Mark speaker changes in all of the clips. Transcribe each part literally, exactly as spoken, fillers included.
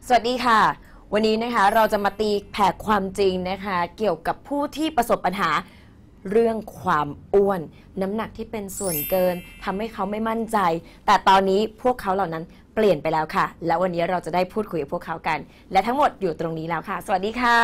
Speaker 1: สวัสดีค่ะวันนี้นะคะเราจะมาตีแผ่ความจริงนะคะเกี่ยวกับผู้ที่ประสบปัญหาเรื่องความอ้วนน้ำหนักที่เป็นส่วนเกินทำให้เขาไม่มั่นใจแต่ตอนนี้พวกเขาเหล่านั้นเปลี่ยนไปแล้วค่ะและวันนี้เราจะได้พูดคุยกับพวกเขากันและทั้งหมดอยู่ตรงนี้แล้วค่ะสวัสดีค่ะ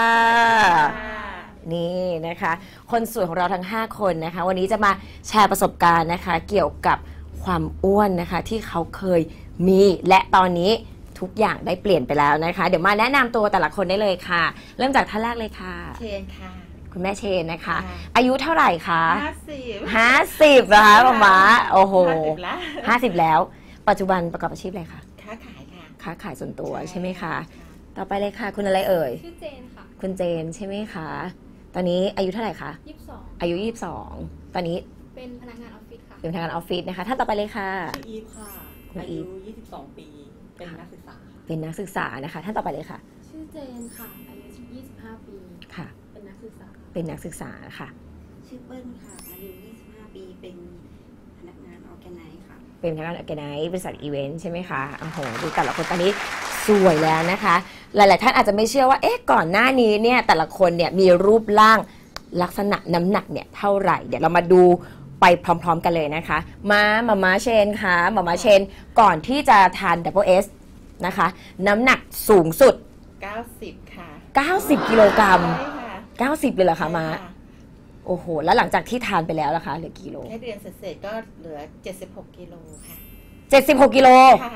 Speaker 1: นี่นะคะคนสวยของเราทั้งห้าคนนะคะวันนี้จะมาแชร์ประสบการณ์นะคะเกี่ยวกับความอ้วนนะคะที่เขาเคยมีและตอนนี้ทุกอย่างได้เปลี่ยนไปแล้วนะคะเดี๋ยวมาแนะนำตัวแต่ละคนได้เลยค่ะเริ่มจากท่านแรกเลยค่ะ
Speaker 2: เชนค่ะ
Speaker 1: คุณแม่เชนนะคะอายุเท่าไหร่คะ
Speaker 2: ห้าสิบ
Speaker 1: ห้าสิบนะคะป๊าม้าโอ้โห
Speaker 2: ห้าสิบแล้ว
Speaker 1: ห้าสิบแล้วปัจจุบันประกอบอาชีพอะไรคะ
Speaker 2: ค้าขายค่ะ
Speaker 1: ค้าขายส่วนตัวใช่ไหมคะต่อไปเลยค่ะคุณอะไรเอ่ย
Speaker 3: ชื่อเจนค่ะ
Speaker 1: คุณเจนใช่ไหมคะตอนนี้อายุเท่าไหร่คะ
Speaker 3: ยี่สิบสอง
Speaker 1: อายุยี่สิบสองตอนนี้
Speaker 3: เป็นพนักงานออฟฟิศค่ะ
Speaker 1: เป็นพนักงานออฟฟิศนะคะท่านต่อไปเลยค่ะ
Speaker 4: ชื่ออีฟค่ะอายุยี่สิบสองปีเป็นนักศึกษา
Speaker 1: เป็นนักศึกษานะคะท่านต่อไปเลยค่ะ
Speaker 3: ชื่อเจนค่ะอายุยี่สิบห้าปี
Speaker 1: ค่ะ
Speaker 3: เป็นนักศึกษา
Speaker 1: เป็นนักศึกษาค่ะ
Speaker 5: ชื่อเปิ้ลค่ะอายุยี่สิบห้าปีเป็นพนักงานออแกไนซ์ค่ะ
Speaker 1: เป็นพนักงานออแกไนซ์บริษัทอีเวนต์ใช่ไหมคะโอ้โหดูแต่ละคนตอนนี้สวยแล้วนะคะหลายๆท่านอาจจะไม่เชื่อว่าเอ๊ะก่อนหน้านี้เนี่ยแต่ละคนเนี่ยมีรูปร่างลักษณะน้ำหนักเนี่ยเท่าไหร่เดี๋ยวเรามาดูไปพร้อมๆกันเลยนะคะมามาม่าเชนค่ะมาม่าเชนก่อนที่จะทาน Double S นะคะน้ำหนักสูงสุด
Speaker 2: เก้าสิบค่ะ
Speaker 1: เก้าสิบกิโลกรัม
Speaker 2: ใช่ค่ะ
Speaker 1: เก้าสิบเลยเหรอคะมาโอ้โหแล้วหลังจากที่ทานไปแล้วล่ะคะเหลือกี่โล
Speaker 2: แค่เดือนเศษๆก็เหลือเจ็ดสิบหกกิโลค่ะ
Speaker 1: เจ็ดสิบหกกิโล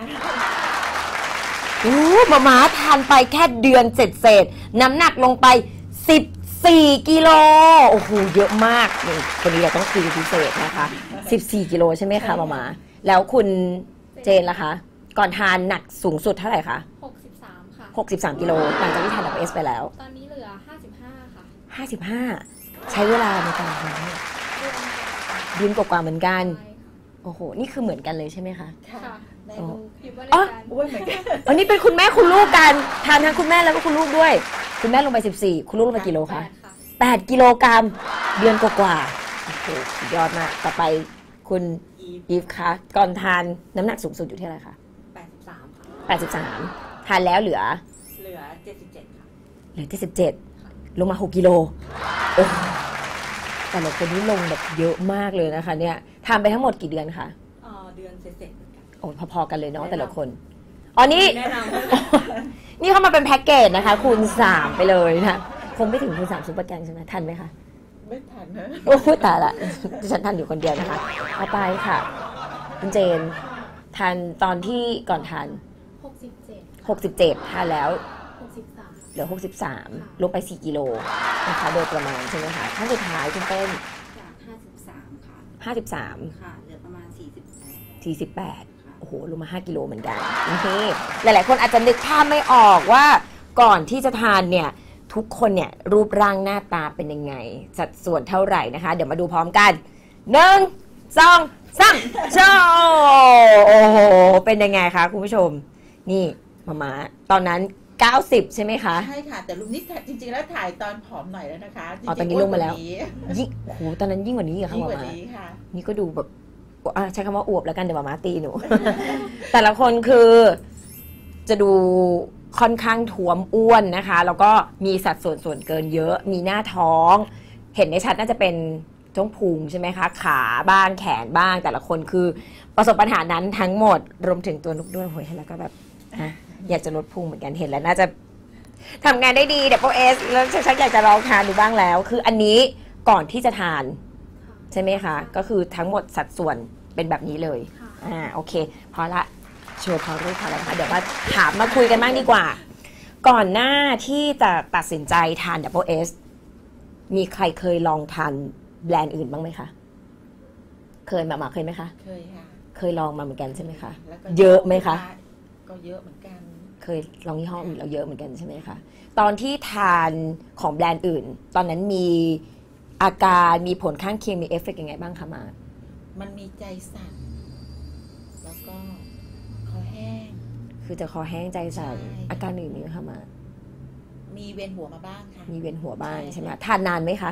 Speaker 1: โอ้มาม่าทานไปแค่เดือนเศษๆน้ำหนักลงไปสิบสี่กิโลโอ้โหเยอะมากนี่คนนี้เราต้องคุยพิเศษนะคะสิบสี่กิโลใช่ไหมคะมาม่าแล้วคุณเจนล่ะคะก่อนทานหนักสูงสุดเท่าไหร่คะ
Speaker 3: หกสิบสามค่ะ
Speaker 1: หกสิบสามกิโลหลังจากที่ทานดับเอสไปแล้ว
Speaker 3: ตอนนี้เหลือห้าสิบห้าค่ะ
Speaker 1: ห้าสิบห้าใช้เวลาในการทานเดือนกว่าๆเหมือนกันโอ้โหนี่คือเหมือนกันเลยใช่ไหมคะ
Speaker 3: ค่ะใน
Speaker 1: ลู
Speaker 3: กคิดว่าใน
Speaker 1: อ๋อ
Speaker 3: การ
Speaker 2: อ้วนเหมือนกัน
Speaker 1: อันนี้เป็นคุณแม่คุณลูกกันทานทั้งคุณแม่แล้วก็คุณลูกด้วยคุณแม่ลงไปสิบสี่คุณลูกลงไปกี่โลคะแปดกิโลกรัมเดือนกว่าๆโอ้โหสุดยอดมากต่อไปคุณอีฟคะก่อนทานน้ำหนักสูงสุดอยู่ที่อะไรคะ
Speaker 4: แปดสิบสามค่ะ
Speaker 1: แปดสิบสามทานแล้วเหลือ
Speaker 4: เหลือเจ็ดสิบเจ็ดค่ะ
Speaker 1: เหลือเจ็ดสิบเจ็ดลงมาหกกิโลโอ้แต่ละคนนี้ลงแบบเยอะมากเลยนะคะเนี่ยทานไปทั้งหมดกี่เดือนคะ
Speaker 4: อ๋อเดือนเศษๆเหมือนกัน
Speaker 1: โอ้พอๆกันเลยเนาะแต่ละคนอ๋อนี่
Speaker 4: แนะน
Speaker 1: ำนี่เข้ามาเป็นแพ็กเกจนะคะคูณสามไปเลยนะคงไม่ถึงคูณสามซุปเปอร์แกงใช่ไหมทันไหมคะ
Speaker 2: ไม่ทันนะ
Speaker 1: โอ้ยตายละดิฉันทันอยู่คนเดียวนะคะเอาไปค่ะคุณเจนทานตอนที่ก่อนทาน
Speaker 3: หกสิบเจ็ด
Speaker 1: หกสิบเจ็ดทานแล้ว
Speaker 3: หกสิบสาม
Speaker 1: เหลือหกสิบสามลงไปสี่กิโลนะคะโดยประมาณใช่ไหมคะท่านสุดท้ายคุณเต้น
Speaker 5: จากห้าสิบสามค่ะ
Speaker 1: ห้าสิบสาม
Speaker 5: ค่ะเหลือประมาณสี่สิบแปด
Speaker 1: สี่สิบแปดโอ้โหลงมาห้ากิโลเหมือนกันนี่หลายๆคนอาจจะนึกภาพไม่ออกว่าก่อนที่จะทานเนี่ยทุกคนเนี่ยรูปร่างหน้าตาเป็นยังไงสัดส่วนเท่าไหร่นะคะเดี๋ยวมาดูพร้อมกันหนึ่งสองสามโชว์โอ้โหเป็นยังไงคะคุณผู้ชมนี่มาม่าตอนนั้นเก้าสิบใช่ไหมคะ
Speaker 2: ใช่ค่ะแต่รูปนี้จริงๆแล้วถ่ายตอนผอมหน่อยแล้วนะคะ
Speaker 1: อ๋อตอนนี้ลงมาแล้วยิ่งโอ้โหตอนนั้นยิ่งกว่านี้เหรอคะมาม่านี่ก็ดูแบบใช้คำว่าอวบแล้วกันเดี๋ยวมาม่าตีหนู แต่ละคนคือจะดูค่อนข้างท้วมอ้วนนะคะแล้วก็มีสัดส่วนส่วนเกินเยอะมีหน้าท้องเห็นในชัดน่าจะเป็นช่วงพุงใช่ไหมคะขาบ้างแขนบ้างแต่ละคนคือประสบปัญหานั้นทั้งหมดรวมถึงตัวนุกด้วยโหยแล้วก็แบบอยากจะลดพุงเหมือนกันเห็นแล้วน่าจะทำงานได้ดีเดี๋ยวพวกเอสแล้วชักอยากจะลองทานดูบ้างแล้วคืออันนี้ก่อนที่จะทานใช่ไหมคะก็คือทั้งหมดสัดส่วนเป็นแบบนี้เลยอ่าโอเคพอละโชว์พอรู้พอแล้วนะคะเดี๋ยวมาถามมาคุยกันบ้างดีกว่าก่อนหน้าที่จะตัดสินใจทาน Double S มีใครเคยลองทานแบรนด์อื่นบ้างไหมคะเคยมามาเคยไหมคะ
Speaker 2: เคยค่ะ
Speaker 1: เคยลองมาเหมือนกันใช่ไหมคะเยอะไหมคะ
Speaker 2: ก็เยอะเหมือนกัน
Speaker 1: เคยลองยี่ห้ออื่นแล้วเยอะเหมือนกันใช่ไหมคะตอนที่ทานของแบรนด์อื่นตอนนั้นมีอาการมีผลข้างเคียงมีเอฟเฟกต์ยังไงบ้างคะมา
Speaker 2: มันมีใจสั่นแล้วก็คอแห้ง
Speaker 1: คือจะคอแห้งใจสั่นอาการอื่นมีไหมคะมา
Speaker 2: มีเวียนหัวมาบ้างค่ะ
Speaker 1: มีเวียนหัวบ้างใช่ไหมทานนานไหมคะ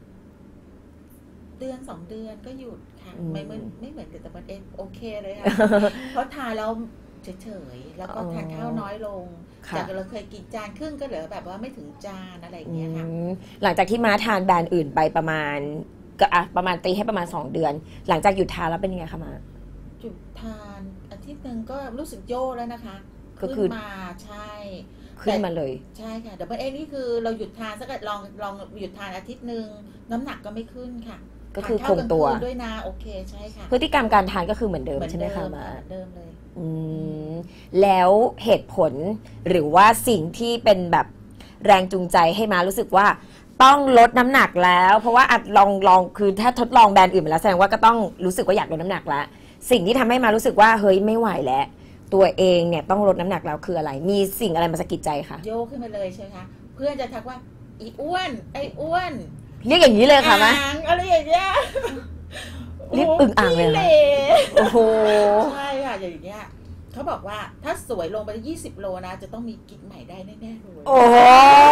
Speaker 2: เดือนสองเดือนก็หยุดค่ะไม่เหมือนไม่เหมือนกับแต่มันเองโอเคเลยค่ะเพราะทานแล้วเเฉยๆแล้วก็
Speaker 1: อ๋อ
Speaker 2: ทานข้าวน้อยลง
Speaker 1: ค่ะ
Speaker 2: จากเราเคยกินจานครึ่งก็เหลือแบบว่าไม่ถึงจานอะไรอย่างเงี้ยค่ะ
Speaker 1: อืมหลังจากที่ม้าทานแบรนด์อื่นไปประมาณก็อ่ะประมาณตีให้ประมาณสองเดือน หลังจากหยุดทานแล้วเป็นยังไงคะม้า
Speaker 2: จุดทานอาทิตย์หนึ่งก็รู้สึกโย่แล้วนะคะ
Speaker 1: ก็คือ
Speaker 2: ขึ้นมาใช่
Speaker 1: ขึ้นมาเลย
Speaker 2: ใช่ค่ะดับเบิลเอนี่คือเราหยุดทานสักลองลองหยุดทานอาทิตย์หนึ่งน้ำหนักก็ไม่ขึ้นค่ะ
Speaker 1: ก็คือ
Speaker 2: ทาน
Speaker 1: ค
Speaker 2: ข้าว
Speaker 1: งตัว
Speaker 2: กลางคืนด้วยนะโอเคใช่ค่ะ
Speaker 1: พฤติกรรมการทานก็คือเหมือนเดิม
Speaker 2: เหมือน
Speaker 1: ใช่ไหม
Speaker 2: เดิ
Speaker 1: คะ
Speaker 2: ม
Speaker 1: ม้า
Speaker 2: เหมือนเดิมเลย
Speaker 1: อืมแล้วเหตุผลหรือว่าสิ่งที่เป็นแบบแรงจูงใจให้มารู้สึกว่าต้องลดน้ำหนักแล้ว เพราะว่าอัดลองลองคือถ้าทดลองแบรนด์อื่นมาแล้วแสดงว่าก็ต้องรู้สึกว่าอยากลดน้ำหนักแล้วสิ่งที่ทำให้มารู้สึกว่าเฮ้ยไม่ไหวแล้วตัวเองเนี่ยต้องลดน้ำหนักแล้วคืออะไร มีสิ่งอะไรมาสะกิดใจคะ
Speaker 2: โยกขึ้นมาเลยใช่ไหมคะเพื่อนจะทักว่าอีอ้วนไอ้อ้วน
Speaker 1: เรียกอย่างนี้เลยค่ะมะ
Speaker 2: อ่างอะไรอย่างเงี้ย
Speaker 1: เรียกอึ่งอ่างเลยเหรอ
Speaker 2: ขี้ห
Speaker 1: โอ้โห
Speaker 2: ใช่ค่ะอย่างเงี้ยเขาบอกว่าถ้าสวยลงไปยี่สิบโลนะจะต้องมีกิ๊กใหม่ได้แน่ๆเลย
Speaker 1: โอ้โห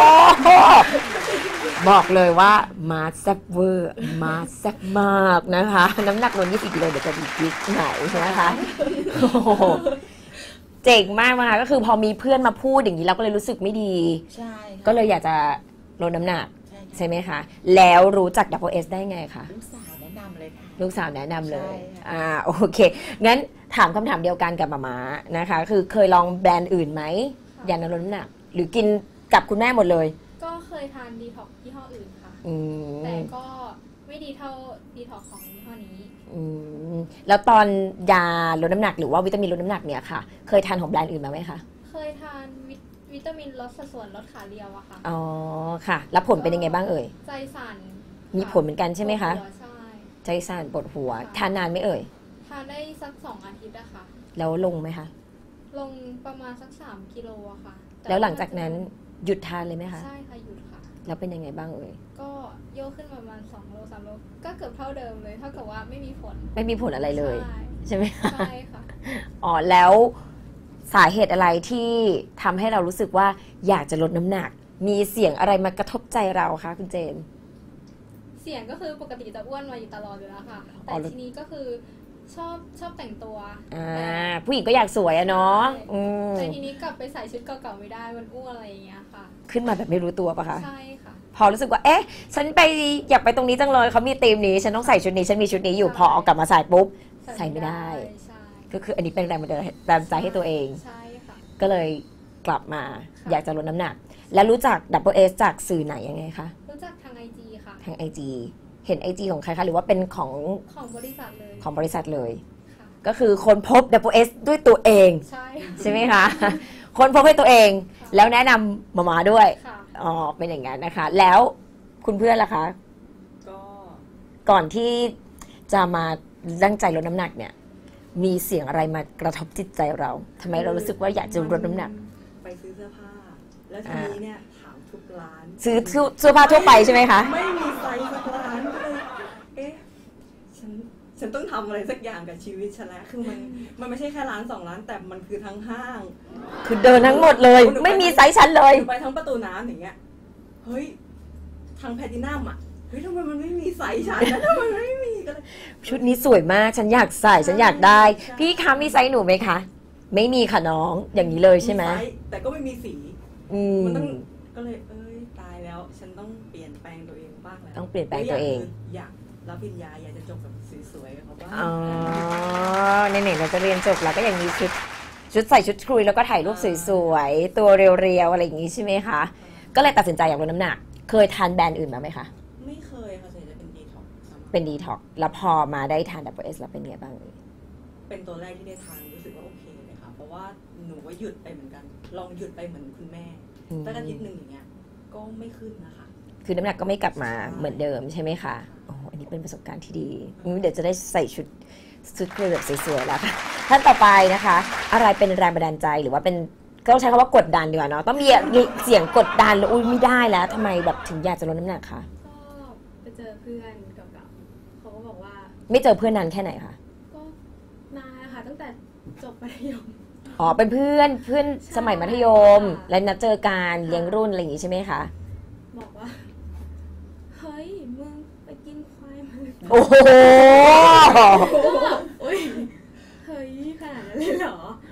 Speaker 1: บอกเลยว่ามาแซ่บเวอร์มาแซ่บมากนะคะ น้ำหนักลงยี่สิบกิโลเดี๋ยวจะมีกิ๊กไหนนะคะโอ้โหเจ๋งมากมาก็คือพอมีเพื่อนมาพูดอย่างนี้เราก็เลยรู้สึกไม่ดี
Speaker 2: ใช่ค่ะ
Speaker 1: ก็เลยอยากจะลดน้ำหนัก
Speaker 2: ใช่ค่ะ
Speaker 1: ใช่ไหมคะ แล้วรู้จัก ดับเบิลเอส ได้ไงคะ
Speaker 2: ลูกสาวแนะนำเลยค่ะ
Speaker 1: ลูกสาวแนะนำเลย
Speaker 2: ใช่ค่ะ
Speaker 1: อ่าโอเคงั้นถามคำถามเดียวกันกับหมาม้านะคะ คือเคยลองแบรนด์อื่นไหมยาลดน้ำหนัก หรือกินกับคุณแม่หมดเลย
Speaker 3: ก็เคยทานดีท็อกยี่ห้ออื่นค่ะ
Speaker 1: อื
Speaker 3: แต่
Speaker 1: ม
Speaker 3: ก็ไม่ดีเท่าดีท็อกของยี่ห้อนี้
Speaker 1: อืมแล้วตอนยาลดน้ำหนักหรือว่าวิตามินลดน้ำหนักเนี่ยค่ะ เคยทานของแบรนด์อื่นมาไหมคะ
Speaker 3: เคยทานวิตวิตามินลดสัดส่วนลดขาเรียวอะค่ะ
Speaker 1: อ๋อค่ะ แล้วผลเป็นยังไงบ้างเอ่ย
Speaker 3: ใจสั่น
Speaker 1: มีผลเหมือนกันใช่ไหมคะ
Speaker 3: ปวดหัวใช่
Speaker 1: ใจสั่นปวดหัว ทานนานไหมเอ่ย
Speaker 3: ทานได้สักสองอาทิตย์อะค่ะ
Speaker 1: แล้วลงไหมคะ
Speaker 3: ลงประมาณสักสามกิโลอะค่ะต่
Speaker 1: แล้วหลังจากนั้นหยุดทานเลยไหมคะ
Speaker 3: ใช่ค่ะหยุดค่ะ
Speaker 1: แล้วเป็นยังไงบ้างเอ่ย
Speaker 3: ก็โยกขึ้นประมาณสองโลสามโลก็เกือบเท่าเดิมเลยเท่ากับว่าไม่มีผล
Speaker 1: ไม่มีผลอะไรเลย
Speaker 3: ใช่
Speaker 1: ใช่ไหมคะ
Speaker 3: ใช่ค่ะ
Speaker 1: อ๋อแล้วสาเหตุอะไรที่ทำให้เรารู้สึกว่าอยากจะลดน้ำหนัก มีเสียงอะไรมากระทบใจเราคะคุณเจน
Speaker 3: เสียงก็คือปกติจะอ้วนมาอยู่ตลอดอยู่แล้วค่ะ
Speaker 1: อ๋
Speaker 3: แต่
Speaker 1: อ
Speaker 3: ทีนี้ก็คือชอบชอบแต่งตัว
Speaker 1: อ่าผู้หญิงก็อยากสวยอะเนาะอืม
Speaker 3: แต่ทีนี้กลับไปใส่ชุดเก่าๆไม่ได้มันอ้วนอะไรอย่างเงี้ยค่ะ
Speaker 1: ขึ้นมาแบบไม่รู้ตัวปะคะ
Speaker 3: ใช่ค่ะ
Speaker 1: พอรู้สึกว่า เอ๊ะ ฉันไปอยากไปตรงนี้จังเลย เขามีธีมนี้ ฉันต้องใส่ชุดนี้ ฉันมีชุดนี้อยู่
Speaker 3: ใช่
Speaker 1: พอเอากลับมาใส่ปุ๊บ ใส่ไม่ได้
Speaker 3: ใช่
Speaker 1: ก็คืออันนี้เป็นแรงบันดาลใจให้ตัวเอง
Speaker 3: ใช่ค่ะ
Speaker 1: ก็เลยกลับมา
Speaker 3: ค่ะ
Speaker 1: อยากจะลดน้ำหนัก แล้วรู้จัก ดับเบิลเอส จากสื่อไหนยังไงคะ
Speaker 3: รู้จักทางไอจีค่ะ
Speaker 1: ทาง ไอ จี เห็น ไอ จี ของใครคะ หรือว่าเป็นของ
Speaker 3: ของบริษัทเลย
Speaker 1: ของบริษัทเลย
Speaker 3: ค่ะ
Speaker 1: ก็คือคนพบ ดับเบิลเอส ด้วยตัวเอง
Speaker 3: ใช่
Speaker 1: ใช่ไหมคะ คนพบให้ตัวเอง
Speaker 3: ค่ะ
Speaker 1: แล้วแนะนำหมามาด้วย
Speaker 3: ค่ะ
Speaker 1: อ๋อ เป็นอย่างนั้นนะคะ แล้วคุณเพื่อนล่ะคะ
Speaker 4: ก็
Speaker 1: ก่อนที่จะมาตั้งใจลดน้ำหนักเนี่ย มีเสียงอะไรมากระทบจิตใจเราทำไมเรารู้สึกว่าอยากจะลดน้ำหนัก
Speaker 4: ไปซื้อเสื้อผ้า แล้วทีนี้เนี่ยถามทุกร้าน
Speaker 1: ซื้อเสื้อผ้าทั่วไปใช่ไหมคะ
Speaker 4: ไม่มีไซส์สักร้านก็เลยเอ๊ะฉันฉันต้องทำอะไรสักอย่างกับชีวิตฉันแล้วคือมันมันไม่ใช่แค่ร้านสองร้านแต่มันคือทั้งห้าง
Speaker 1: คือเดินทั้งหมดเลย ไม่มีไซส์ชั้นเลย
Speaker 4: ไปทั้งประตูน้ำอย่างเงี้ยเฮ้ยทางแพลตินัมอ่ะเฮ้ยทำไมมันไม่มีไซส์ฉันนะทำไมมันไม่มีก็เลย
Speaker 1: ชุดนี้สวยมาก ฉันอยากใส่ ฉันอยากได้
Speaker 4: ใช่
Speaker 1: พี่คะมีไซส์หนูไหมคะ ไม่มีค่ะน้อง อย่างนี้เลยใช่ไหม
Speaker 4: ซส์แต่ก็ไม่มีสี
Speaker 1: อืม
Speaker 4: มันต้องก็เลยเอ้ยตายแล้ว ฉันต้องเปลี่ยนแปลงตัวเองบ้างแล้ว
Speaker 1: ต้องเปลี่ยนแปลงตัวเอง
Speaker 4: อยากรับปริญญาอยากจะจบแบบสวยๆกับเขาบ้าง
Speaker 1: อ๋อในไหนๆเราจะเรียนจบเราก็ยังมีชุด ชุดใส่ชุดคุยแล้วก็ถ่ายรูปสวยๆ ตัวเรียวๆ อะไรอย่างนี้ใช่ไหมคะ ก็เลยตัดสินใจอยากลดน้ำหนัก เคยทานแบรนด์อื่นมาไหมคะ
Speaker 4: ไม่เคยค่ะส่วนใหญ่จะเป็นดีท็อกซ์
Speaker 1: เป็นดีท็อกแล้วพอมาได้ทาน ดับเบิลเอส แล้วเป็นไงบ้างเอ่ย
Speaker 4: เป็นตัวแรกที่ได้ทานรู้สึกว่าโอเคเลยค่ะ เพราะว่าหนูก็หยุดไปเหมือนกัน ลองหยุดไปเหมือนคุณแม่
Speaker 1: อืม
Speaker 4: ตั้งอาทิตย์หนึ่งอย่างเงี้ยก็ไม่ขึ้นนะคะ
Speaker 1: คือน้ำหนักก็ไม่กลับมาเหมือนเดิมใช่ไหมคะโอ้อันนี้เป็นประสบการณ์ที่ดีอืมเดี๋ยวจะได้ใส่ชุดชุดคุยแบบสวยๆแล้วค่ะท่านต่อไปนะคะ อะไรเป็นแรงบันดาลใจหรือว่าเป็นก็ต้องใช้คำว่ากดดันดีกว่าเนาะต้องมีเสียงกดดันแล้วอุ้ยไม่ได้แล้วทำไมแบบถึงอยากจะลดน้ำหนักคะ
Speaker 3: ก็ไปเจอเพื่อนเก่าๆเขาก็บอกว่า
Speaker 1: ไม่เจอเพื่อนนานแค่ไหนคะ
Speaker 3: ก็นานนะคะตั้งแต่จบมัธยม
Speaker 1: อ๋อเป็นเพื่อนเพื่อนสมัยมัธยม
Speaker 3: ค่ะ
Speaker 1: และนัดเจอการเลี้ยงรุ่นอะไรอย่างงี้ใช่ไหมคะ
Speaker 3: บอกว่า เฮ้ย มึงไปกินควายมา
Speaker 1: โอ้โห
Speaker 3: ก็แบบอุ้ย เฮ้ย ขนาดนั้นเลยเหรอ แ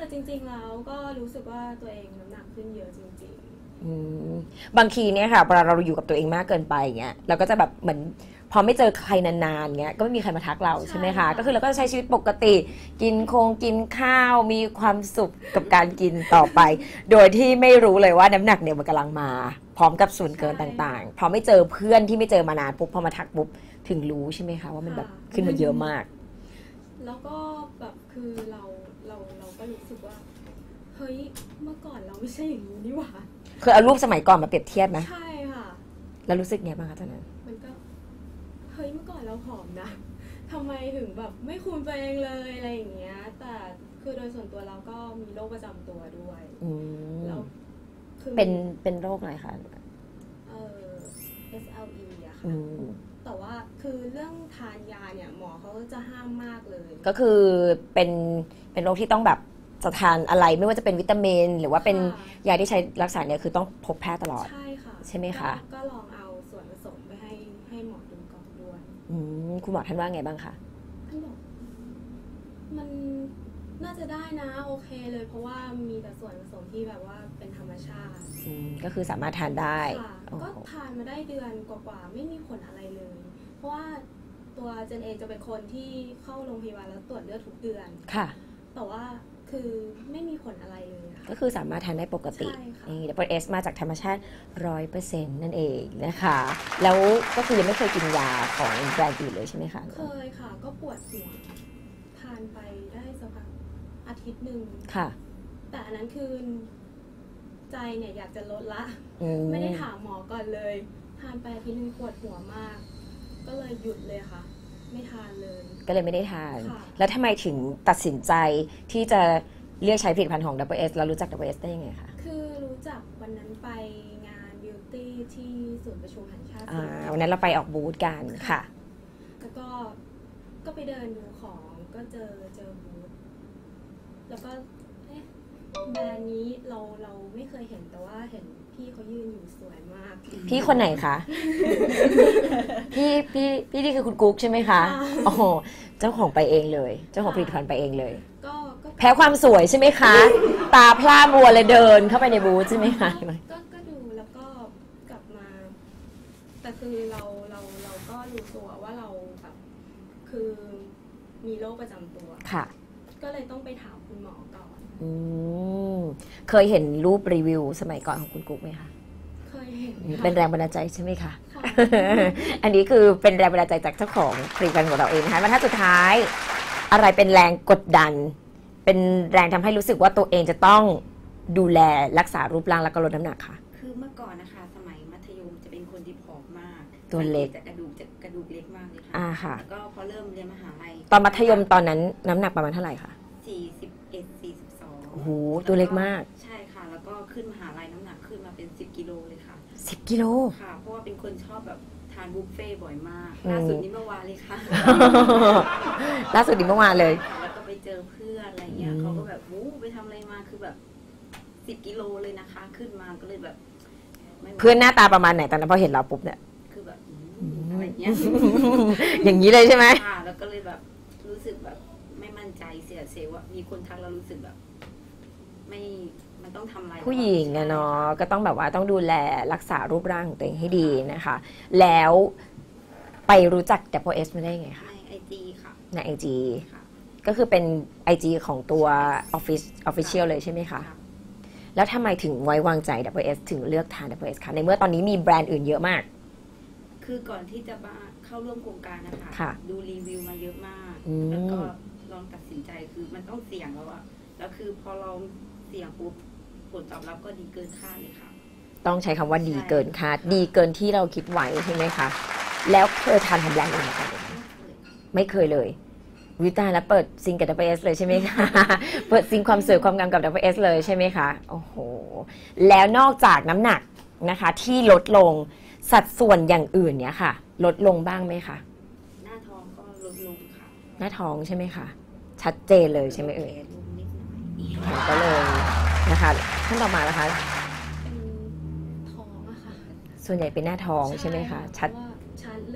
Speaker 4: แต่จริงๆแล้วก็รู้สึกว่าตัวเองน้ำหนักขึ้นเยอะจริง
Speaker 1: อืมบางทีเนี่ยค่ะเวลาเราอยู่กับตัวเองมากเกินไปอย่างเงี้ยเราก็จะแบบเหมือนพอไม่เจอใครนานๆเงี้ยก็ไม่มีใครมาทักเราใช่ไหมคะก็คือเราก็จะใช้ชีวิตปกติกินคงกินข้าวมีความสุขกับการกินต่อไป โดยที่ไม่รู้เลยว่าน้ำหนักเนี่ยมันกำลังมาพร้อมกับส่วนเกินต่างๆพอไม่เจอเพื่อนที่ไม่เจอมานานปุ๊บพอมาทักปุ๊บถึงรู้ใช่ไหมคะว่ามันแบบขึ้นมาเยอะมาก
Speaker 4: ๆแล้วก็แบบคือเราเราเราก็รู้สึกว่าเฮ้ยเมื่อก่อนเราไม่ใช่อย่างนี้นี่หว่า
Speaker 1: เคยเอารูปสมัยก่อนมาเปรียบเทียบไหม
Speaker 4: ใช่ค่ะ
Speaker 1: แล้วรู้สึกไงบ้างคะตอนนั้น
Speaker 4: มันก็เฮ้ยเมื่อก่อนเราผอมนะทำไมถึงแบบไม่คุมตัวเองเลยอะไรอย่างเงี้ยแต่คือโดยส่วนตัวเราก็มีโรคประจำตัวด้วย
Speaker 1: อืม
Speaker 4: แล้วคือ
Speaker 1: เป็นเป็นโรคอะไรคะ
Speaker 4: เอ่อ เอส แอล อี อะค่ะ
Speaker 1: อืม
Speaker 4: แต่ว่าคือเรื่องทานยาเนี่ยหมอเขาจะห้ามมากเลย
Speaker 1: ก็คือเป็นเป็นโรคที่ต้องแบบจะทานอะไรไม่ว่าจะเป็นวิตามินหรือว่าเป็น
Speaker 4: ค่ะ
Speaker 1: ยาที่ใช้รักษาเนี่ยคือต้องพบแพทย์ตลอด
Speaker 4: ใช่ค่ะ
Speaker 1: ใช่ไหมคะ
Speaker 4: ก็ก็ลองเอาส่วนผสมไปให้ให้หมอดูก่อนด้วย
Speaker 1: อืมคุณหมอท่านว่าไงบ้างคะ
Speaker 4: ท่านบอกมันน่าจะได้นะโอเคเลยเพราะว่ามีแต่ส่วนผสมที่แบบว่าเป็นธรรมชาติ
Speaker 1: อืมก็คือสามารถทานได้
Speaker 4: ค่ะ
Speaker 1: โอ้
Speaker 4: ก็
Speaker 1: โห
Speaker 4: ทานมาได้เดือนกว่าๆไม่มีผลอะไรเลย เพราะว่าตัวเจนเองจะเป็นคนที่เข้าโรงพยาบาลแล้วตรวจเลือดทุกเดือน
Speaker 1: ค่ะ
Speaker 4: แต่ว่าคือไม่มีผลอะไรเลยอะ
Speaker 1: ก็
Speaker 4: ค่ะ
Speaker 1: คือสามารถทานได้ปกติ
Speaker 4: ใช่ค่ะ
Speaker 1: นี่ ดับเบิลเอส มาจากธรรมชาติ ร้อยเปอร์เซ็นต์ นั่นเองนะคะ แล้วก็คือยังไม่เคยกินยาของแบรนด์อื่นเลยใช่ไหมคะ
Speaker 4: เคยค่ะ ก็ปวดหัวทานไปได้สักพักอาทิตย์หนึ่ง
Speaker 1: ค่ะ
Speaker 4: แต่อันนั้นคือใจเนี่ยอยากจะลดละ
Speaker 1: อืม
Speaker 4: ไม่ได้ถามหมอก่อนเลย ทานไปอาทิตย์หนึงปวดหัวมาก ก็เลยหยุดเลยค่ะ ไม่ทานเลย
Speaker 1: ก็เลยไม่ได้ทาน
Speaker 4: ค่ะ
Speaker 1: แล้วทำไมถึงตัดสินใจที่จะเลือกใช้ผลิตภัณฑ์ของ ดับเบิลเอส แล้วรู้จัก ดับเบิลเอส ได้ยังไงคะ
Speaker 4: คือรู้จักวันนั้นไปงานบิวตี้ที่ศูนย์ประชุมแห่งชาติ
Speaker 1: อ่า
Speaker 4: ศิริกิติ์
Speaker 1: วันนั้นเราไปออกบูธกันค่ะ
Speaker 4: แล้วก็ก็ไปเดินดูของก็เจอเจอบูธแล้วก็เอ๊ะแบรนด์นี้เราเราไม่เคยเห็นแต่ว่าเห็นพี่เขายืนอยู่สวยมาก
Speaker 1: พี่คนไหนคะ พี่พี่พี่นี่คือคุณกุ๊กใช่ไหมคะ
Speaker 4: ค่ะ
Speaker 1: โอ้โหเจ้าของไปเองเลย เจ้าของผลิตภัณฑ์ไปเองเลย
Speaker 4: ก็ก็
Speaker 1: แพ้ความสวยใช่ไหมคะ ตาพร่ามัวเลยเดินเข้าไปในบูธใช่ไหมคะ
Speaker 4: ก็ก็ดูแล้วก็กลับมา แต่คือเราเราเราก็รู้ตัวว่าเราแบบคือมีโรคประจำตัว
Speaker 1: ค่ะ
Speaker 4: ก็เลยต้องไปถามคุณหมอก่อน
Speaker 1: อืมเคยเห็นรูปรีวิวสมัยก่อนของคุณกุ๊กไหมคะ
Speaker 4: เคยเห็นค่ะ
Speaker 1: เป็นแรงบันดาลใจใช่ไหมคะ
Speaker 4: ค่ะ
Speaker 1: อันนี้คือเป็นแรงบันดาลใจจากเจ้าของผลิตภัณฑ์ของเราเองนะคะบรรทัดสุดท้าย อะไรเป็นแรงกดดัน เป็นแรงทำให้รู้สึกว่าตัวเองจะต้องดูแลรักษารูปร่างและก็ลดน้ำหนักค่ะ
Speaker 5: คือเมื่อก่อนนะคะ สมัยมัธยมจะเป็นคนที่ผอมมาก
Speaker 1: ตัวเล็ก
Speaker 5: จะกระดูกจะกระดูกเล็กมากเลยค่ะ
Speaker 1: อ่าค่ะ
Speaker 5: แล้วก็พอเริ่มเรียนมหาลัย
Speaker 1: ตอนมัธยมตอนนั้นน้ำหนักประมาณเท่าไหร่คะ
Speaker 5: สี่สิบเอ็ด สี่สิบสอง
Speaker 1: โอ้โหตัวเล็กมาก
Speaker 5: ใช่ค่ะ แล้วก็ขึ้นมหาลัยน้ำหนักขึ้นมาเป็นสิบกิโลเลยค่ะ
Speaker 1: สิบกิโล
Speaker 5: ค่ะ เพราะว่าเป็นคนชอบแบบทานบุฟเฟ่ต์บ่อยมาก
Speaker 1: อืม
Speaker 5: ล่าสุดนี้เมื่อวานเลยค่ะ
Speaker 1: ล่าสุดนี้เมื่อวานเลย
Speaker 5: แล้วก็ไปเจอเพื่อนอะไรเงี้ย
Speaker 1: อืม
Speaker 5: เขาก็แบบวู้ไปทำอะไรมาคือแบบสิบกิโลเลยนะคะ ขึ้นมาก็เลยแบบไม่ไหว
Speaker 1: เพื่อนหน้าตาประมาณไหนตอนนั้นพอเห็นเราปุ๊บเนี่ย
Speaker 5: คือแบบอืมอะไรเงี้ย
Speaker 1: อย่างนี้เลยใช่ไหม
Speaker 5: ค่ะแล้วก็เลยแบบรู้สึกแบบไม่มั่นใจเสียเซลล์ว่ามีคนทักเรารู้สึกแบบ ไม่มันต้องทำอะไร
Speaker 1: ผู้หญิงอะเนาะก็ต้องแบบว่าต้องดูแลรักษารูปร่างของตัวเองให้ดีนะคะ แล้วไปรู้จัก ดับเบิลเอส มาได้ยังไงคะ
Speaker 5: ในไอจีค่ะ
Speaker 1: ใน ไอ จี
Speaker 5: ค่ะ
Speaker 1: ก็คือเป็น ไอ จี ของตัว Office Official เลยใช่ไหมคะ
Speaker 5: ค่ะ
Speaker 1: แล้วทำไมถึงไว้วางใจ ดับเบิลเอส ถึงเลือกทาน ดับเบิลเอส คะในเมื่อตอนนี้มีแบรนด์อื่นเยอะมาก
Speaker 5: คือก่อนที่จะมาเข้าร่วมโครงการนะคะ
Speaker 1: ค่ะ
Speaker 5: ดูรีวิวมาเยอะมาก
Speaker 1: อืม
Speaker 5: แล้วก็ลองตัดสินใจคือมันต้องเสี่ยงแล้วอะแล้วคือพอเราเสี่ยงปุ๊บผลตอบรับก็ดีเกินคาดเลยค่ะ
Speaker 1: ต้องใช้คำว่าดี
Speaker 5: ใช่
Speaker 1: เกินคาด ดีเกินที่เราคิดไว้ใช่ไหมคะ แล้วเคยทานของแบรนด์อื่นมาก่อนไหมคะไม่เคยเลยวิตายแล้วเปิดซิงกับ ดับเบิลเอส เลยใช่ไหมคะ เปิดซิงความสวยความงามกับ ดับเบิลเอส เลยใช่ไหมคะ โอ้โห แล้วนอกจากน้ำหนักนะคะ ที่ลดลงสัดส่วนอย่างอื่นเนี่ยค่ะ ลดลงบ้างไหมคะ
Speaker 5: หน้าท้องก็ลดลงค่ะ
Speaker 1: หน้าท้องใช่ไหมคะ ชัดเจนเลยใช่ไหมเอ่ย
Speaker 5: ลดลงนิดหน่อย
Speaker 1: ก็เลยนะคะท่านต่อมานะคะ
Speaker 4: เป็นท้องอะค่ะ
Speaker 1: ส่วนใหญ่เป็นหน้าท้องใช่ไหมคะ ชัด
Speaker 4: เพราะว่าชัดเลย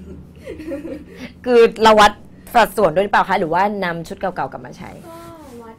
Speaker 1: คือเราวัดสัดส่วนด้วยหรือเปล่าคะ หรือว่านำชุดเก่าๆกลับมาใช้
Speaker 4: ก็วัดด้วยแล้ว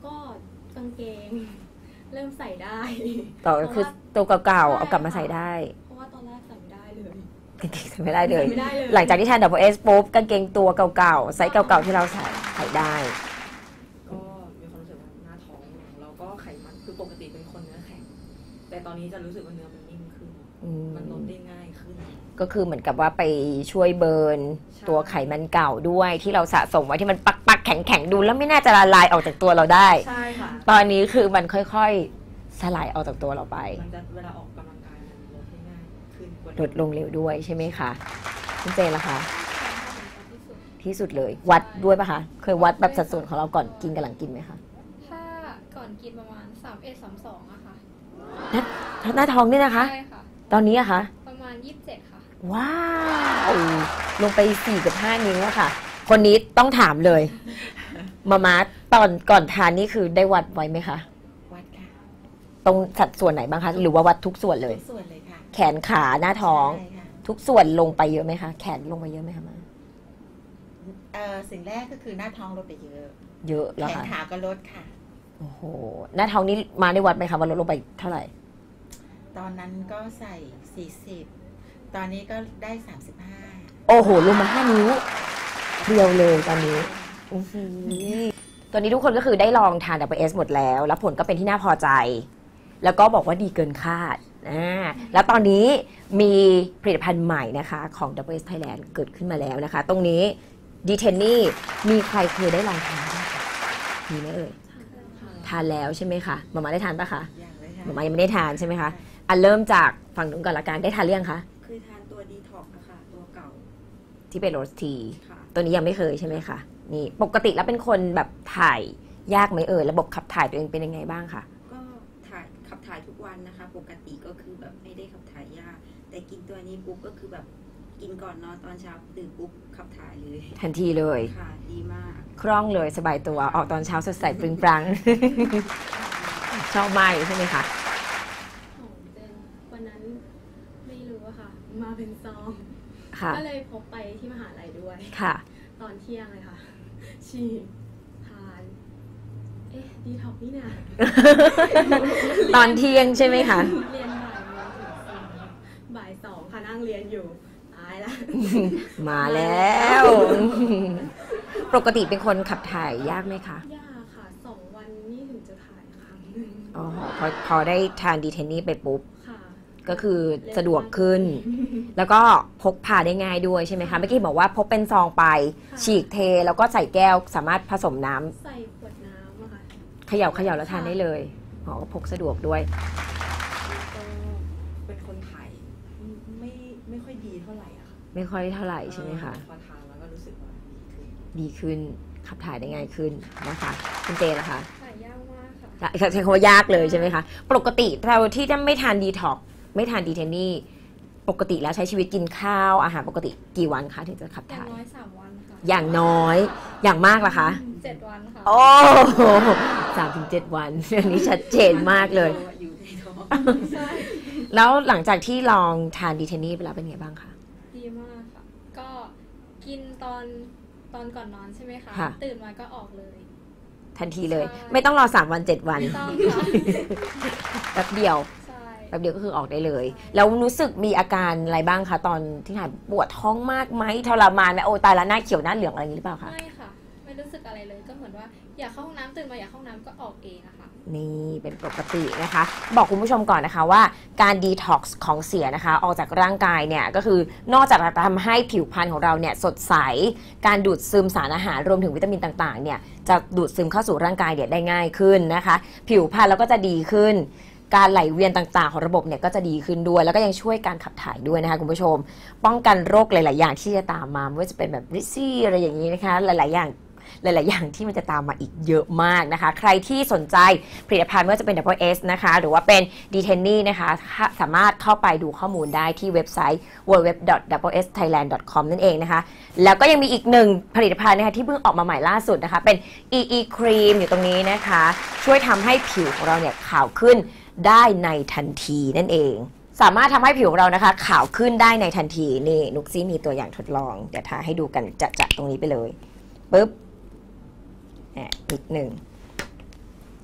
Speaker 4: ก็กางเกงเริ่มใส่ได้
Speaker 1: ต่อคือตัวเก่าๆเอากลับมาใส่ได้
Speaker 4: เพราะว่าตอนแรกใส่ไม่ได้เลย
Speaker 1: กางเกงใส่ไม่ได้เลย
Speaker 4: ใส่ไม่ได้เลย
Speaker 1: หลังจากที่ทาน Double S ปุ๊บกางเกงตัวเก่าๆไซส์เก่าๆที่เราใส่ใส่ได้
Speaker 6: ก็มีความรู้สึกว่าหน้าท้องของเราก็ไขมันคือปกติเป็นคนเนื้อแข็งแต่ตอนนี้จะรู้สึกว่าเนื้อมันนิ่มขึ้น
Speaker 1: อืม
Speaker 6: มันลดได้ง่ายขึ้น
Speaker 1: ก็คือเหมือนกับว่าไปช่วยเบิร์น
Speaker 6: ใช่
Speaker 1: ตัวไขมันเก่าด้วยที่เราสะสมไว้ที่มันปักปักๆแข็งแข็งๆดูแล้วไม่น่าจะละลายออกจากตัวเราได้
Speaker 6: ใช่ค่ะ
Speaker 1: ตอนนี้คือมันค่อยๆสลายออกจากตัวเราไป
Speaker 6: มันจะเวลาออกกำลังกายมันลดได้ง่ายขึ้นกว่า
Speaker 1: ลดลงเร็วด้วยใช่ไหมคะคุณเจนล่ะคะ
Speaker 3: ที่สุด
Speaker 1: ที่สุดเลย วัดด้วยปะคะ เคยวัดแบบสัดส่วนของเราก่อนกินกับหลังกินไหมคะ
Speaker 3: ถ้าก่อนกินประมาณสามเอ็ดสามสองอะค่ะ
Speaker 1: หน้าท้องเนี่ยนะคะ
Speaker 3: ใช่ค่ะ
Speaker 1: ตอนนี้อะคะ
Speaker 3: ประมาณยี่สิบเจ็ดค่ะ
Speaker 1: ว้าวลงไปสี่กับห้านิ้วอะค่ะ คนนี้ต้องถามเลย มามาตอนก่อนทานนี่คือได้วัดไว้ไหมคะ
Speaker 2: วัดค่ะ
Speaker 1: ตรงสัดส่วนไหนบ้างคะ หรือว่าวัดทุกส่วนเลย
Speaker 2: ทุกส่วนเลยค่ะ
Speaker 1: แขนขาหน้าท้อง
Speaker 2: ใช่ค่ะ
Speaker 1: ทุกส่วนลงไปเยอะไหมคะ แขนลงไปเยอะไหมคะมา
Speaker 2: เอ่อสิ่งแรกก็คือหน้าท้องลดไปเยอะ
Speaker 1: เยอะแล้ว
Speaker 2: แขน
Speaker 1: ค่ะ
Speaker 2: ขาก็ลดค่ะ
Speaker 1: โอ้โหหน้าท้องนี้มาได้วัดไหมคะว่าลดลงไปเท่าไหร่
Speaker 2: ตอนนั้นก็ใส่สี่สิบตอนนี้ก็ได้สามสิบห้า
Speaker 1: โอ้โหลงมาห้านิ้วเพียวเลยตอนนี้อื้อหือตอนนี้ทุกคนก็คือได้ลองทาน Double S หมดแล้ว แล้วผลก็เป็นที่น่าพอใจ แล้วก็บอกว่าดีเกินคาดอ่าแล้วตอนนี้มีผลิตภัณฑ์ใหม่นะคะของ Double S Thailand เกิดขึ้นมาแล้วนะคะ ตรงนี้ดีเทนนี่มีใครเคยได้ลองทานบ้างคะมีไหมเอ่ยทานแล้วใช่ไหมคะมามาได้ทานปะคะ
Speaker 2: อย่างเลยค่ะ
Speaker 1: มามายังไม่ได้ทานใช่ไหมคะอันเริ่มจากฝั่งนู้นก่อนละกันได้ทานหรือยังคะ
Speaker 5: คือทานตัวดีท็อกนะคะตัวเก่า
Speaker 1: ที่เป็นโรสที
Speaker 5: ค่ะ
Speaker 1: ตัวนี้ยังไม่เคยใช่ไหมคะนี่ปกติแล้วเป็นคนแบบถ่ายยากไหมเอ่ยระบบขับถ่ายตัวเองเป็นยังไงบ้างคะ
Speaker 5: ก็ถ่ายขับถ่ายทุกวันนะคะ ปกติก็คือแบบไม่ได้ขับถ่ายยากแต่กินตัวนี้ปุ๊บก็คือแบบกินก่อนนอนตอนเช้าตื่นปุ๊บขับถ่ายเลย
Speaker 1: ทันทีเลย
Speaker 5: ค่ะดีมาก
Speaker 1: คล่องเลยสบายตัวออกตอนเช้าสดใสปริงปรัง ชอบมากใช่ไหมคะ
Speaker 4: ของเจนวันนั้นไม่รู้อะค่ะ มาเป็นซอง
Speaker 1: ค่ะ
Speaker 4: ก็เลยพกไปที่มหาลัยด้วย
Speaker 1: ค่ะ
Speaker 4: ตอนเที่ยงเลยค่ะ ฉีดทาน เอ๊ะ ดีท็อกนี่นะ
Speaker 1: ตอนเที่ยงใช่ไหมคะ
Speaker 4: เรียนบ่ายโมงถึงสี่บ่ายสองค่ะนั่งเรียนอยู่ ตายละ
Speaker 1: มาแล้ว ปกติเป็นคนขับถ่ายยากไหมคะ
Speaker 4: ยากค่ะ สองวันนี่ถึงจะถ่ายครั้งหนึ่ง
Speaker 1: อ๋อพอพอได้ทานดีเทนนี่ไปปุ๊บ
Speaker 4: ค่ะ
Speaker 1: ก็คือสะดวกขึ้น แล้วก็พกพาได้ง่ายด้วยใช่ไหมคะ เมื่อกี้บอกว่าพกเป็นซองไป
Speaker 4: ค่ะ
Speaker 1: ฉีกเทแล้วก็ใส่แก้วสามารถผสมน้ำ
Speaker 4: ใส่ขวดน้ำอะค่ะ
Speaker 1: เขย่าเขย่าแล้วทานได้เลยอ๋อพกสะดวกด้วย
Speaker 6: ก็เป็นคนถ่ายไม่ไม่ค่อยดีเท่าไหร่อะค่ะ
Speaker 1: ไม่ค่อยเท่าไหร่ใช่ไหมคะ
Speaker 6: พอทานแล้วก็รู้สึกว่าดีขึ้น
Speaker 1: ดีขึ้นขับถ่ายได้ง่ายขึ้นนะคะคุณเจนะคะ
Speaker 3: ถ่ายยากมากค่ะ
Speaker 1: ใช้คำว่ายากเลยใช่ไหมคะ ปกติเราที่จะไม่ทานดีท็อกไม่ทานดีเทนนี่ปกติแล้วใช้ชีวิตกินข้าวอาหารปกติกี่วันคะถึงจะขับ
Speaker 3: อย่าง
Speaker 1: ถ่าย
Speaker 3: น้อยสามวันค่ะ
Speaker 1: อย่างน้อยอย่างมากล่ะคะ
Speaker 3: เจ็ดวันค่ะ
Speaker 1: โอ้สามถึงเจ็ดวัน อันนี้ชัดเจนมากเลย
Speaker 5: อยู่ในท้อง
Speaker 3: ใช่
Speaker 1: แล้วหลังจากที่ลองทานดีเทนนี่ไปแล้วเป็นไงบ้างคะ
Speaker 3: ดีมากค่ะ ก็กินตอนตอนก่อนนอนใช่ไหมคะ
Speaker 1: ค่ะ
Speaker 3: ตื่นมาก็ออกเลย
Speaker 1: ทันทีเลย
Speaker 3: ใช่
Speaker 1: ไม่ต้องรอสามวันเจ็ดวัน
Speaker 3: ไม่ต้องค่ะ
Speaker 1: แป๊บเดียว
Speaker 3: ใช่
Speaker 1: แป๊บเดียวก็คือออกได้เลย แล้วรู้สึกมีอาการอะไรบ้างคะตอนที่ถ่ายปวดท้องมากไหมทรมานไหมโอ้ตายแล้วหน้าเขียวหน้าเหลืองอะไรอย่างนี้หรือเปล่าคะ
Speaker 3: ไม่ค่ะ ไม่รู้สึกอะไรเลย ก็เหมือนว่าอยากเข้าห้องน้ำตื่นมาอยากเข้าห้องน้ำก็ออกเองอะค่ะ
Speaker 1: นี่เป็นปกตินะคะ บอกคุณผู้ชมก่อนนะคะว่าการดีท็อกซ์ของเสียนะคะ ออกจากร่างกายเนี่ยก็คือนอกจากจะทำให้ผิวพรรณของเราเนี่ยสดใส การดูดซึมสารอาหารรวมถึงวิตามินต่างๆเนี่ยจะดูดซึมเข้าสู่ร่างกายเนี่ยได้ง่ายขึ้นนะคะ ผิวพรรณแล้วก็จะดีขึ้น การไหลเวียนต่างๆของระบบเนี่ยก็จะดีขึ้นด้วย แล้วก็ยังช่วยการขับถ่ายด้วยนะคะคุณผู้ชม ป้องกันโรคหลายๆอย่างที่จะตามมาไม่ว่าจะเป็นแบบริซี่อะไรอย่างนี้นะคะหลายๆอย่าง หลาย ๆ อย่างที่มันจะตามมาอีกเยอะมากนะคะ ใครที่สนใจผลิตภัณฑ์ไม่ว่าจะเป็น Double S นะคะ หรือว่าเป็น ดี เทน นี่ นะคะ สามารถเข้าไปดูข้อมูลได้ที่เว็บไซต์ ดับเบิลยู ดับเบิลยู ดับเบิลยู ดอท ดับเบิลยู เอส ไทยแลนด์ ดอท คอม นั่นเองนะคะ แล้วก็ยังมีอีกหนึ่งผลิตภัณฑ์นะคะที่เพิ่งออกมาใหม่ล่าสุดนะคะ เป็น อี อี Cream อยู่ตรงนี้นะคะ ช่วยทำให้ผิวของเราเนี่ยขาวขึ้นได้ในทันทีนั่นเอง สามารถทำให้ผิวของเรานะคะขาวขึ้นได้ในทันทีนี่นุกซี่มีตัวอย่างทดลองเดี๋ยวทาให้ดูกันจะๆตรงนี้ไปเลยปึ๊บนิดหนึ่ง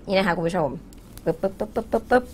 Speaker 1: นี่นะคะคุณผู้ชมปึ๊บปึ๊บปึ๊บปึ๊บปึ๊บปึ๊บ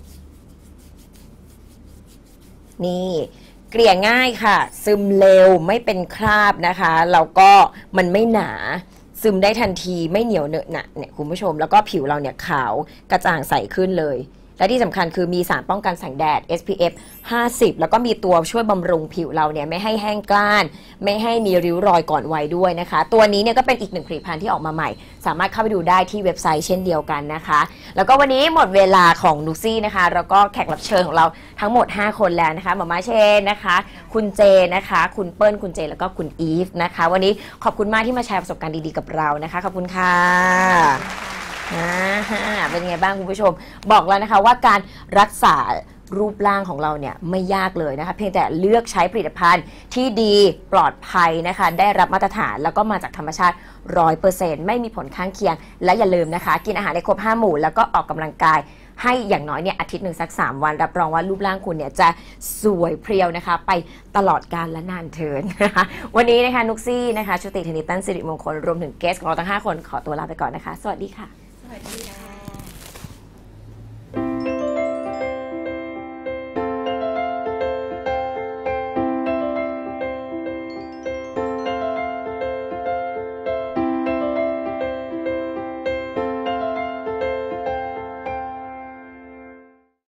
Speaker 1: นี่เกลี่ยง่ายค่ะซึมเร็วไม่เป็นคราบนะคะแล้วก็มันไม่หนาซึมได้ทันทีไม่เหนียวเหนอะหนะเนี่ยคุณผู้ชมแล้วก็ผิวเราเนี่ยขาวกระจ่างใสขึ้นเลยและที่สำคัญคือมีสารป้องกันแสงแดด เอส พี เอฟ ห้าสิบแล้วก็มีตัวช่วยบำรุงผิวเราเนี่ยไม่ให้แห้งกร้านไม่ให้มีริ้วรอยก่อนวัยด้วยนะคะตัวนี้เนี่ยก็เป็นอีกหนึ่งผลิตภัณฑ์ที่ออกมาใหม่สามารถเข้าไปดูได้ที่เว็บไซต์เช่นเดียวกันนะคะแล้วก็วันนี้หมดเวลาของนุกซี่นะคะแล้วก็แขกรับเชิญของเราทั้งหมดห้าคนแล้วนะคะหมอมาเชนนะคะคุณเจนะคะคุณเปิ้ลคุณเจแล้วก็คุณอีฟนะคะวันนี้ขอบคุณมากที่มาแชร์ประสบการณ์ดีๆกับเรานะคะขอบคุณค่ะอ่าเป็นไงบ้างคุณผู้ชมบอกแล้วนะคะว่าการรักษารูปร่างของเราเนี่ยไม่ยากเลยนะคะเพียงแต่เลือกใช้ผลิตภัณฑ์ที่ดีปลอดภัยนะคะได้รับมาตรฐานแล้วก็มาจากธรรมชาติ ร้อยเปอร์เซ็นต์ ไม่มีผลข้างเคียงและอย่าลืมนะคะกินอาหารในครบห้าหมู่แล้วก็ออกกำลังกายให้อย่างน้อยเนี่ยอาทิตย์หนึ่งสักสามวันรับรองว่ารูปร่างคุณเนี่ยจะสวยเพรียวนะคะไปตลอดกาลและนานเทินนะคะวันนี้นะคะนุกซี่นะคะชุติธนิตันสิริมงคลรวมถึงเกสของเราทั้งห้าคนขอตัวลาไปก่อนนะคะสวัสดีค่ะ
Speaker 2: สวัสดีค่ะ